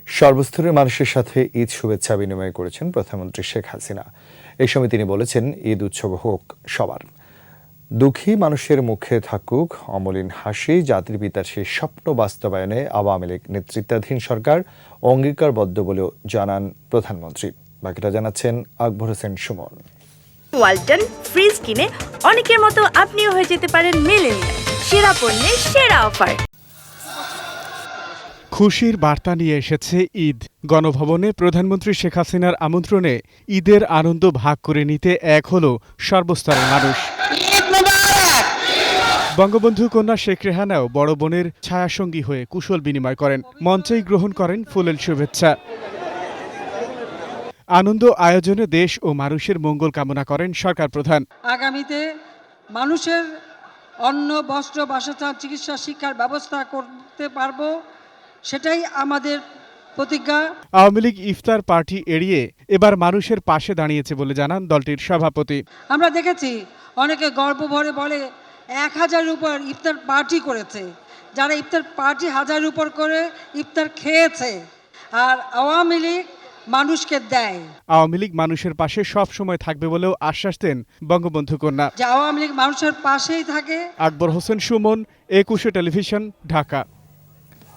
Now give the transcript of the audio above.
সর্বস্তরের মানুষের সাথে ঈদ শুভেচ্ছা বিনিময় করেছেন প্রধানমন্ত্রী শেখ হাসিনা। এই সময় তিনি বলেছেন, ঈদ উৎসব হোক সবার, দুঃখী মানুষের মুখে থাকুক অমলিন হাসি। জাতির পিতার সেই স্বপ্ন বাস্তবায়নে আওয়ামী লীগ নেতৃত্বাধীন সরকার অঙ্গীকারবদ্ধ বলেও জানান প্রধানমন্ত্রী। বাকিটা জানাচ্ছেন আকবর হোসেন সুমন। ওয়ালটন ফ্রিজ কিনে অনেকের মতো আপনিও হয়ে যেতে পারেন মিলেনিয়াল। সেরা পণ্যের সেরা অফার। খুশির বার্তা নিয়ে এসেছে ঈদ। গণভবনে প্রধানমন্ত্রী শেখ হাসিনার আমন্ত্রণে ঈদের আনন্দ ভাগ করে নিতে এক হলো সর্বস্তরের মানুষ। বঙ্গবন্ধু কন্যা শেখ রেহানাও বড় বোনের ছায়াসঙ্গী হয়ে কুশল বিনিময় করেন। মঞ্চেই গ্রহণ করেন ফুলেল শুভেচ্ছা। আনন্দ আয়োজনে দেশ ও মানুষের মঙ্গল কামনা করেন সরকার প্রধান। আগামীতে মানুষের অন্ন, বস্ত্র, বাসস্থান, চিকিৎসা, শিক্ষার ব্যবস্থা করতে পারবো, সেটাই আমাদের প্রতিজ্ঞা। আওয়ামী লীগ ইফতার পার্টি এড়িয়ে এবার মানুষের পাশে দাঁড়িয়েছে বলে জানান দলটির সভাপতি। আমরা দেখেছি অনেকে গর্ব ভরে বলে 1000-এর উপর ইফতার পার্টি করেছে, যারা ইফতার পার্টি 1000-এর উপর করে ইফতার খেয়েছে, আর আওয়ামী লীগ মানুষকে দেয়। আওয়ামী লীগ মানুষের পাশে সব সময় থাকবে বলেও আশ্বাস দেন বঙ্গবন্ধু কন্যা। যে আওয়ামী লীগ মানুষের পাশেই থাকে। আকবর হোসেন সুমন, 21 টেলিভিশন, ঢাকা।